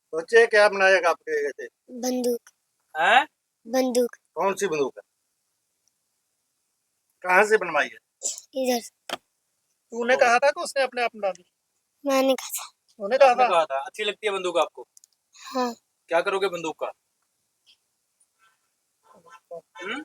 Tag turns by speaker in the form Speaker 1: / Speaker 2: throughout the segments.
Speaker 1: बच्चे क्या बनाएगा आपके जैसे?
Speaker 2: बंदूक।
Speaker 3: हैं?
Speaker 2: बंदूक।
Speaker 1: कौन सी बंदूक है? कहाँ से बनवाई है?
Speaker 2: इधर।
Speaker 1: तूने कहा था कि उसने अपने आप बना दी?
Speaker 2: मैंने कहा था।
Speaker 1: तूने कहा
Speaker 3: आपने
Speaker 1: था?
Speaker 3: कहा था अच्छी लगती है बंदूक आपको?
Speaker 2: हाँ।
Speaker 3: क्या करोगे बंदूक का? हम्म?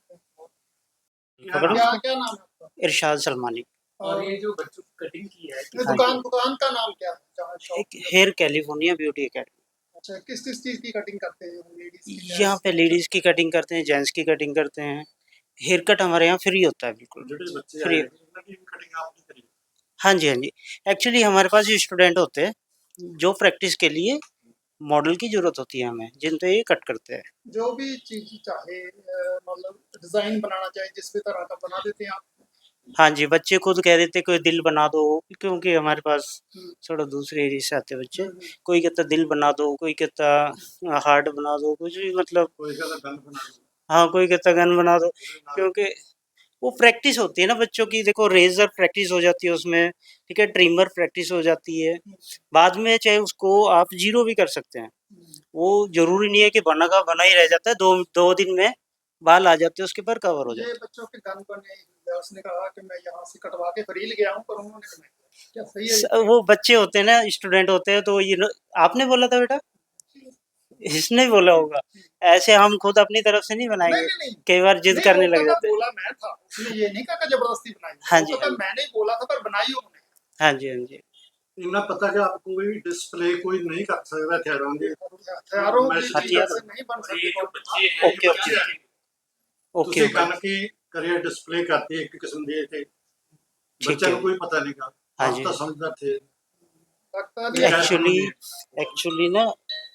Speaker 1: क्या क्या नाम है आपका?
Speaker 4: इरशाद सलमानी।
Speaker 1: और ये जो बच्चों की कटिंग की है
Speaker 4: हाँ
Speaker 1: दुकान दुकान का नाम क्या है जहाँ शॉप
Speaker 4: एक हेयर कैलिफोर्निया ब्यूटी एकेडमी।
Speaker 1: अच्छा किस किस चीज की कटिंग करते हैं लेडीज की
Speaker 4: यहाँ पे लेडीज की कटिंग करते हैं, जेंट्स की कटिंग करते हैं। हेयर कट हमारे यहाँ फ्री होता है, बिल्कुल फ्री।
Speaker 1: कटिंग आपने करी?
Speaker 4: हाँ जी, हाँ जी। एक्चुअली हमारे पास स्टूडेंट होते हैं जो प्रैक्टिस के लिए मॉडल की ज़रूरत होती है हमें, जिन पे ये कट करते हैं।
Speaker 1: जो भी चीज चाहे मतलब डिजाइन बनाना चाहे जिस भी तरह का बना देते हैं आप?
Speaker 4: हाँ जी, बच्चे खुद कह देते कोई दिल बना दो, क्योंकि हमारे पास थोड़ा दूसरे एरिया से आते बच्चे। कोई कहता दिल बना दो, कोई कहता हार्ट बना दो, कुछ भी मतलब।
Speaker 1: कोई का गन बना दो।
Speaker 4: हाँ, कोई कहता गन बना दो, क्योंकि वो प्रैक्टिस होती है ना बच्चों की। देखो रेज़र प्रैक्टिस हो जाती है उसमें, ठीक है, ट्रिमर प्रैक्टिस हो जाती है। बाद में चाहे उसको आप ज़ीरो भी कर सकते हैं। वो ज़रूरी नहीं है कि बना का बना ही रह जाता है, 2 दिन में बाल आ जाते हैं उसके ऊपर, कवर हो जाते
Speaker 1: ये
Speaker 4: हैं।
Speaker 1: बच्चों के गन बने उसने कहा कि मैं यहाँ से कटवा के फ्री ले गया हूँ पर उन्होंने नहीं किया। क्या सही है ये?
Speaker 4: वो बच्चे होते हैं ना, स्टूडेंट होते हैं, तो आपने बोला था बेटा, इसने बोला होगा। ऐसे हम खुद अपनी तरफ से नहीं
Speaker 1: नहीं
Speaker 4: बनाएंगे,
Speaker 1: नहीं नहीं
Speaker 4: कई बार जिद
Speaker 1: नहीं,
Speaker 4: करने
Speaker 1: वो
Speaker 4: लग
Speaker 1: कहता
Speaker 4: जाते हैं।
Speaker 1: बोला मैं था उसने ये नहीं कहा कि जबरदस्ती बनाई
Speaker 4: हाँ
Speaker 1: वो
Speaker 4: जी,
Speaker 1: कहता
Speaker 4: हाँ जी,
Speaker 1: मैंने ही बोला था पर बनाई उन्होंने।
Speaker 4: हाँ जी, हाँ जी।
Speaker 5: इन्हें पता कि आप कोई डिस्प्ले कोई नहीं कर सकता हथियारों की।
Speaker 1: हथियारों की
Speaker 5: हाँ
Speaker 1: चीज
Speaker 4: जी,
Speaker 1: ऐसे नहीं बन सकती
Speaker 3: जो बच्चे हैं
Speaker 4: ओके ओके ओके
Speaker 5: ਤੁਸੀਂ
Speaker 4: ओके,
Speaker 5: गन की करियर डिस्प्ले करती एक किस्म ਦੀ ਤੇ
Speaker 4: ठीक
Speaker 5: ਬੱਚਿਆਂ
Speaker 4: है।
Speaker 5: ਨੂੰ ਕੋਈ ਪਤਾ ਨਹੀਂਗਾ।
Speaker 4: हाँ
Speaker 5: ਆਪ
Speaker 4: जी,
Speaker 5: ਤਾਂ समझदार थे।
Speaker 1: लगता
Speaker 5: ये
Speaker 1: नहीं है।
Speaker 5: कैसे
Speaker 4: एक्चुअली
Speaker 5: होंगे?
Speaker 4: एक्चुअली ना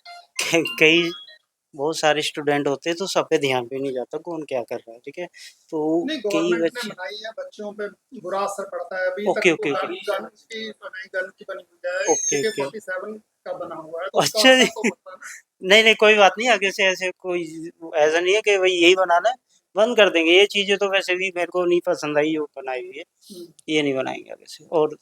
Speaker 4: कई बहुत सारे स्टूडेंट होते हैं तो सब पे ध्यान भी नहीं जाता कौन क्या कर रहा है, ठीक है। तो
Speaker 1: नहीं
Speaker 4: कई
Speaker 1: गवर्नमेंट ने
Speaker 4: बच्चे।
Speaker 1: बनाई है बच्चों पे बुरा असर पड़ता है अभी तक
Speaker 4: ओके
Speaker 1: तो
Speaker 4: ओके ओके
Speaker 1: गन की बनाई गन की बनी हुई है
Speaker 4: ओके
Speaker 1: AK
Speaker 4: ओके
Speaker 1: 47 का बना हुआ है तो उसका
Speaker 4: अच्छा जी।
Speaker 1: असर तो पड़ता है ना।
Speaker 4: नहीं नहीं, कोई बात नहीं, आगे से ऐसे कोई ऐसा नहीं है कि भाई यही बनाना है, बंद कर देंगे। ये चीजें तो वैसे भी मेरे को नहीं पसंद आई, वो बनाई हुई है, ये नहीं बनाएंगे आगे से। और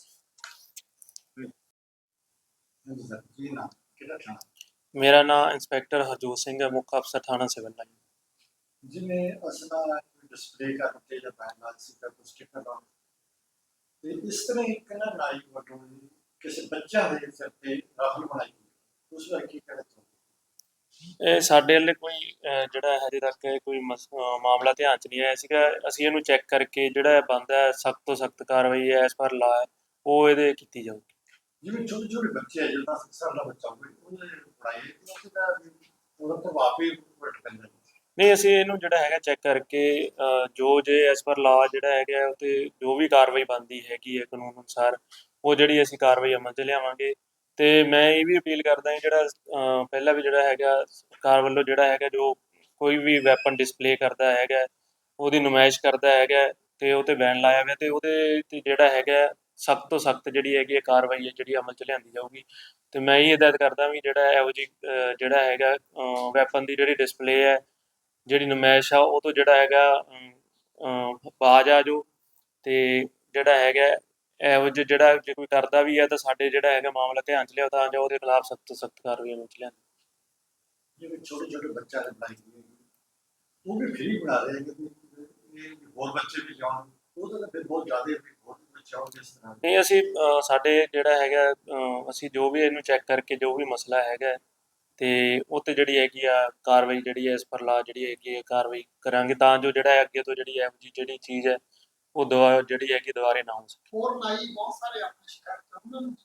Speaker 5: जी ना किधर था?
Speaker 6: मेरा नाम इंस्पैक्टर हरजोत सिंह है, मुख्य अफसर थाना सिविल लाइन।
Speaker 5: जिन्हें असला डिस्प्ले करते या बैनर सी का कुछ स्टिकर ला ਤੇ ਇਸ ਤਰ੍ਹਾਂ ਇੱਕ ਨਾ ਨਾਈ ਵੱਲੋਂ ਕਿਸੇ ਬੱਚਾ ਦੇ ਸਿਰ ਤੇ ਰਾਖਲ ਬਣਾਈ ਹੋਈ। ਉਸ ਬਾਰੇ ਕੀ ਕਹਿਣਾ ਚਾਹੁੰਦੇ?
Speaker 6: ਇਹ ਸਾਡੇ ਵੱਲੇ ਕੋਈ ਜਿਹੜਾ ਹਜੇ ਤੱਕ ਕੋਈ ਮਾਮਲਾ ਧਿਆਨ 'ਚ ਨਹੀਂ ਆਇਆ ਸੀਗਾ। ਅਸੀਂ ਇਹਨੂੰ ਚੈੱਕ ਕਰਕੇ ਜਿਹੜਾ ਬਣਦਾ ਹੈ ਸਖਤ ਤੋਂ ਸਖਤ ਕਾਰਵਾਈ ਐਸ ਪਰ ਲਾ ਉਹ ਇਹਦੇ ਕੀਤੀ ਜਾਊਗੀ।
Speaker 5: ਜਿਵੇਂ ਛੋਟੇ ਛੋਟੇ ਬੱਚੇ ਹੈ ਜਿਹੜਾ 10 ਸਾਲ ਦਾ ਬੱਚਾ ਹੋਵੇ ਉਹਨੇ ਪੜ੍ਹਾਈ ਉਹਦਾ ਉਹਦਾ ਪ੍ਰਭਾਵ ਵੀ ਘੱਟ ਪੈਂਦਾ।
Speaker 6: ਨਹੀਂ ਅਸੀਂ ਇਹਨੂੰ ਜਿਹੜਾ ਹੈਗਾ ਚੈੱਕ ਕਰਕੇ ਜੋ ਜੇ ਐਸ ਪਰ ਲਾ ਜਿਹੜਾ ਹੈਗਾ ਉਹ 'ਤੇ ਜੋ ਵੀ ਕਾਰਵਾਈ ਬਣਦੀ ਹੈਗੀ ਹੈ ਕਾਨੂੰਨ ਅਨੁਸਾਰ ਉਹ ਜਿਹੜੀ ਅਸੀਂ ਕਾਰਵਾਈ ਅਮਲ 'ਚ ਲਿਆਵਾਂਗੇ। ਅਤੇ ਮੈਂ ਇਹ ਵੀ ਅਪੀਲ ਕਰਦਾ ਜਿਹੜਾ ਪਹਿਲਾਂ ਵੀ ਜਿਹੜਾ ਹੈਗਾ ਸਰਕਾਰ ਵੱਲੋਂ ਜਿਹੜਾ ਹੈਗਾ ਜੋ ਕੋਈ ਵੀ ਵੈਪਨ ਡਿਸਪਲੇ ਕਰਦਾ ਹੈਗਾ ਉਹਦੀ ਨੁਮਾਇਸ਼ ਕਰਦਾ ਹੈਗਾ ਅਤੇ ਉਹ 'ਤੇ ਬੈਨ ਲਾਇਆ ਗਿਆ ਅਤੇ ਉਹਦੇ 'ਤੇ ਜਿਹੜਾ ਹੈਗਾ ਸਖਤ ਤੋਂ ਸਖਤ ਜਿਹੜੀ ਹੈਗੀ ਹੈ ਕਾਰਵਾਈ ਹੈ ਜਿਹੜੀ ਅਮਲ 'ਚ ਲਿਆਂਦੀ ਜਾਊਗੀ। ਅਤੇ ਮੈਂ ਇਹ ਹਦਾਇਤ ਕਰਦਾ ਵੀ ਜਿਹੜਾ ਇਹੋ ਜਿਹੀ ਜਿਹੜਾ ਹੈਗਾ ਵੈਪਨ ਦੀ ਜਿਹੜੀ ਡਿਸਪਲੇ ਹੈ ਜਿਹੜੀ ਨੁਮਾਇਸ਼ ਆ ਉਹ ਤੋਂ ਜਿਹੜਾ ਹੈਗਾ ਬਾਜ਼ ਆ ਜਾਓ ਅਤੇ ਜਿਹੜਾ ਹੈਗਾ ਇਹੋ ਜਿਹੇ ਜਿਹੜਾ ਜੇ ਕੋਈ ਕਰਦਾ ਵੀ ਹੈ ਤਾਂ ਸਾਡੇ ਜਿਹੜਾ ਹੈਗਾ ਮਾਮਲਾ ਧਿਆਨ 'ਚ ਲਿਆਓ ਤਾਂ ਜੋ ਉਹਦੇ ਖਿਲਾਫ ਸਖਤ ਤੋਂ ਸਖਤ ਕਾਰਵਾਈ ਅਮਲ 'ਚ ਲਿਆਂਦੀ।
Speaker 5: ਜਿਵੇਂ ਛੋਟੇ ਛੋਟੇ ਬੱਚਿਆਂ ਨੇ ਬਣਾਈ ਹੋਈ ਉਹ ਵੀ ਫ੍ਰੀ ਬਣਾ ਰਹੇ ਕਿ ਹੋਰ ਬੱਚੇ ਵੀ ਜਾਣ ਉਹ ਤਾਂ ਫਿਰ ਬਹੁਤ ਜ਼ਿਆਦਾ ਹੋਰ ਬੱਚੇ ਆਉਣਗੇ ਇਸ ਤਰ੍ਹਾਂ।
Speaker 6: ਨਹੀਂ ਅਸੀਂ ਸਾਡੇ ਜਿਹੜਾ ਹੈਗਾ ਅਸੀਂ ਜੋ ਵੀ ਇਹਨੂੰ ਚੈੱਕ ਕਰਕੇ ਜੋ ਵੀ ਮਸਲਾ ਹੈਗਾ ਅਤੇ ਉਹ 'ਤੇ ਜਿਹੜੀ ਹੈਗੀ ਆ ਕਾਰਵਾਈ ਜਿਹੜੀ ਹੈ ਇਸ ਪਰ ਲਾ ਜਿਹੜੀ ਹੈਗੀ ਹੈ ਕਾਰਵਾਈ ਕਰਾਂਗੇ ਤਾਂ ਜੋ ਜਿਹੜਾ ਅੱਗੇ ਤੋਂ ਜਿਹੜੀ ਇਹੋ ਜਿਹੀ ਜਿਹੜੀ ਚੀਜ਼ ਹੈ ਉਹ ਜਿਹੜੀ ਹੈਗੀ ਦੁਬਾਰੇ ਨਾ ਹੋ ਸਕੇ।
Speaker 1: ਹੋਰ ਨਾਈ ਬਹੁਤ ਸਾਰੇ ਆਪਣੇ ਸ਼ਿਕਾਇਤ ਉਹਨਾਂ ਨੂੰ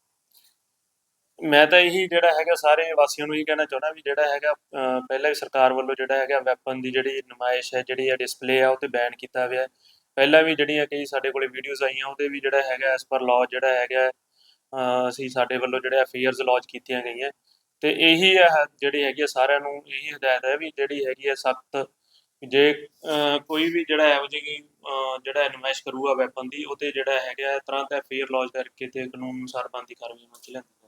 Speaker 6: ਮੈਂ ਤਾਂ ਇਹੀ ਜਿਹੜਾ ਹੈਗਾ ਸਾਰੇ ਵਾਸੀਆਂ ਨੂੰ ਇਹੀ ਕਹਿਣਾ ਚਾਹੁੰਦਾ ਵੀ ਜਿਹੜਾ ਹੈਗਾ ਪਹਿਲਾਂ ਵੀ ਸਰਕਾਰ ਵੱਲੋਂ ਜਿਹੜਾ ਹੈਗਾ ਵੈਪਨ ਦੀ ਜਿਹੜੀ ਨੁਮਾਇਸ਼ ਹੈ ਜਿਹੜੀ ਹੈ ਡਿਸਪਲੇ ਆ ਉਹ 'ਤੇ ਬੈਨ ਕੀਤਾ ਹੋਇਆ। ਪਹਿਲਾਂ ਵੀ ਜਿਹੜੀਆਂ ਕਈ ਸਾਡੇ ਕੋਲ ਵੀਡੀਓਜ਼ ਆਈਆਂ ਉਹਦੇ ਵੀ ਜਿਹੜਾ ਹੈਗਾ ਐਸ ਪਰ ਲਾਅ ਜਿਹੜਾ ਹੈਗਾ ਅਸੀਂ ਸਾਡੇ ਵੱਲੋਂ ਜਿਹੜਾ FIRs ਲੌਂਚ ਕੀਤੀਆਂ ਗਈਆਂ ਅਤੇ ਇਹੀ ਜਿਹੜੀ ਹੈਗੀ ਆ ਸਾਰਿਆਂ ਨੂੰ ਇਹੀ ਹਦਾਇਤ ਹੈ ਵੀ ਜਿਹੜੀ ਹੈਗੀ ਹੈ ਸਖਤ ਜੇ ਕੋਈ ਵੀ ਜਿਹੜਾ ਇਹੋ ਜਿਹੀ ਜਿਹੜਾ ਨੁਮਾਇਸ਼ ਕਰੂਗਾ ਵੈਪਨ ਦੀ ਉਹ 'ਤੇ ਜਿਹੜਾ ਹੈਗਾ ਤੁਰੰਤ FIR ਲੌਂਚ ਕਰਕੇ ਅਤੇ ਕਾਨੂੰਨ ਅਨੁਸਾਰ ਬਣਦੀ ਕਾਰਵਾਈ ਅਮਲ 'ਚ ਲਿਆਂਦੀ।